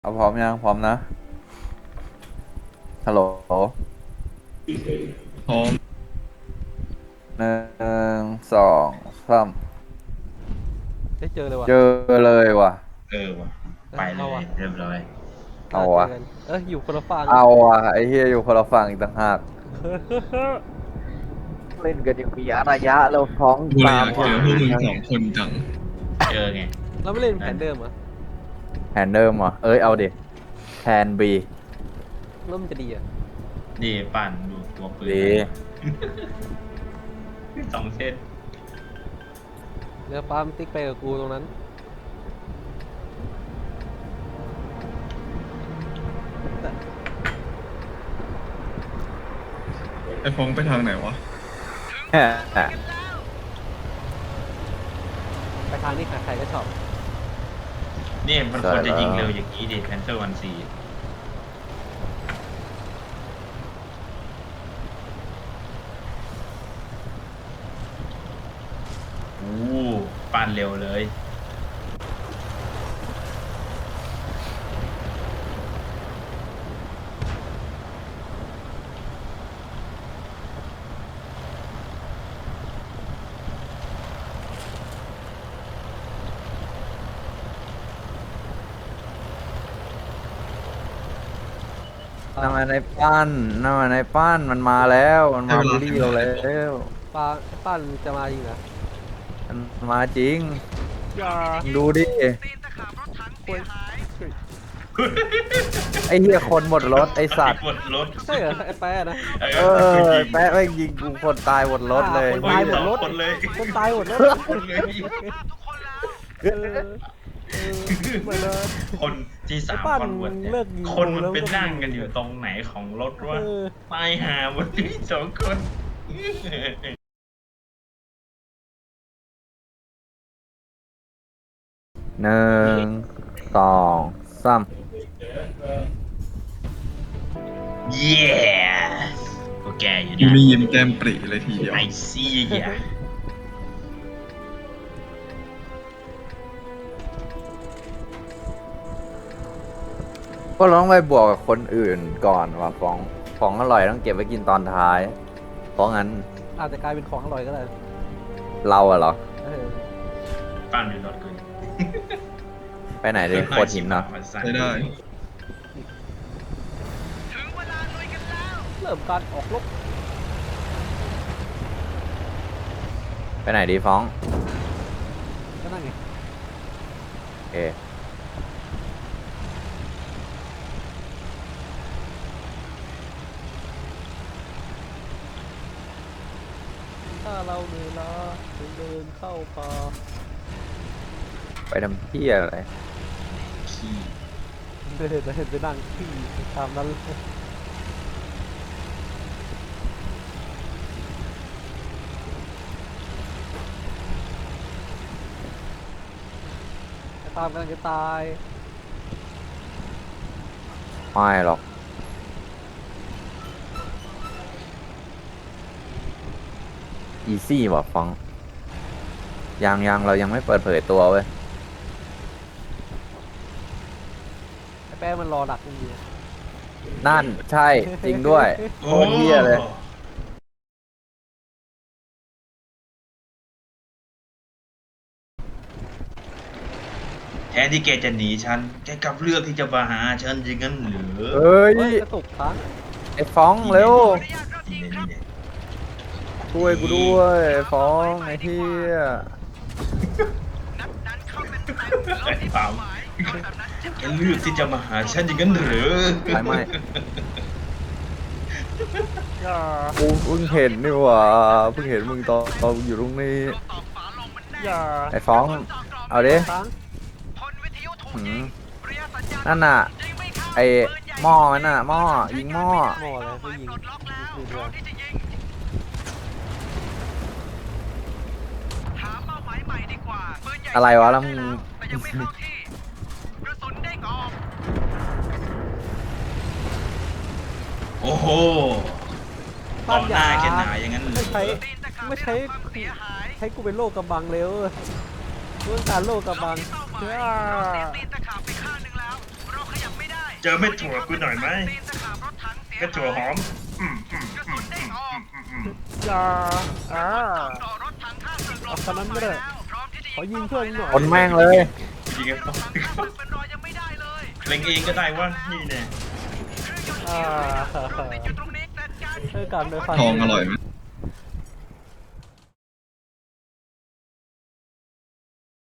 เอาพร้อมยังพร้อมนะฮัลโหลพร้อมหนึ่งสองสามได้เจอเลยว่ะเจอเลยว่ะว่ะไปเลยเอาว่ะเรียบร้อยเอาวะเจอกันอยู่คนละฝั่งเอาวะไอ้เฮียอยู่คนละฝั่งอีกต่างหากเล่นกันยังมีระยะเราท้องกูเลยอตามยากเจอพวกมึงสองคนจังเจอไงเราไม่เล่นแผนเดิมเหรอ่ะแฮนเดิมเหรอเอ้ยเอาดิแทนบีแล้วมันจะดีอ่ะดีปั่นดูตัวปืนดีสองเส้นเดี๋ยวปาล์มติ๊กไปกับกูตรงนั้นไอ้ฟงไปทางไหนวะแฮ่ไปทางนี้ใครๆก็ชอบนี่มันควรจะยิงเร็วอย่างนี้ดิแพนเทอร์วันซีโอ้ปั่นเร็วเลยนั่นมาในปั้นนั่นมาในปั้นมันมาแล้วมันมาบูลลี่เราแล้วปาปั้นจะมาจริงเหรอมันมาจริงอย่าดูดิควรไอ้เหี้ยคนหมดรถไอ้สัตว์หมดรถใช่เหรอไอ้แป๊ะนะเออแปะแม่งยิงกูคนตายหมดรถเลยคนตายหมดรถคนเลยคนตายหมดรถคนเลยเออเหมือนเดิมคนที่สามไอ้ปั้นคนบวชเนี่ยเลิกยิงคนมันแล้วไปก็นั่งกันอยู่ตรงไหนของรถวะเออตายหาหมดที่สองคนหนึ่งสองสามเย้โอเคอยู่ยูนะมียิ้มแก้มปรีเลยทีเดียวไอซี่อ่ะก็ต้องไปบวกกับคนอื่นก่อนว่ะของอร่อยต้องเก็บไว้กินตอนท้าย เพราะงั้นอาจจะกลายเป็นของอร่อยก็ได้เราอะเหรอเออปั้นอยู่รถกูไปไหนดิโคตรหินเนาะใช้ได้เริ่มการออกรบไปไหนดีฟ้องก็นั่นไงโอเคถ้าเราเหนื่อยล้าเดินเข้าป่าไปทำที่อะไรขี้เดินไปนั่งที่ตามนั้นเลยไอ้ปาล์มกำลังจะตายไม่หรอกอีซี่ว่ะฟ้องยังเรายังไม่เปิดเผยตัวเว้ยไอ้แป้งมันรอดักอยู่นั่นใช่จริงด้วยโคตรเหี้ยเลยแทนที่แกจะหนีฉันแกกลับเลือกที่จะมาหาฉันจริงงั้นเหรอเฮ้ยเฮ้ยกระตุกค้างไอ้ฟ้องเร็วนี่เนี่ยช่วยกูด้วยฟ้องไอ้เหี้ยไอ้ปามแกเลือกที่จะมาหาฉันจริงงั้นเหรอไม่อย่ากูเพิ่งเห็นนี่หว่าเพิ่งเห็นมึงตอนมึงอยู่ตรงนี้อย่าไอ้ฟ้องเอาดิค้างหืมนั่นน่ะไอ้หม้อมันน่ะหม้อยิงหม้อหมอแล้วก็ยิงดูดีกว่าอะไรวะแล้วมึงโอ้โหต่อหน้าแกหนาอย่างนั้นเหรไม่อใช้กูเป็นโลกกำบังเร็วเรื่องการโลกกำบังเจอเม็ดถั่วกูหน่อยไหมเม็ดถั่วหอมอย่าเอาคันนั้นไม่ได้ขอยิงเพื่อนหน่อยคนแม่งเลยยิงไอ้ฟองเล็งเองก็ได้วะนี่เนี่ยช่วยกันเลยฟันทองอร่อยไหม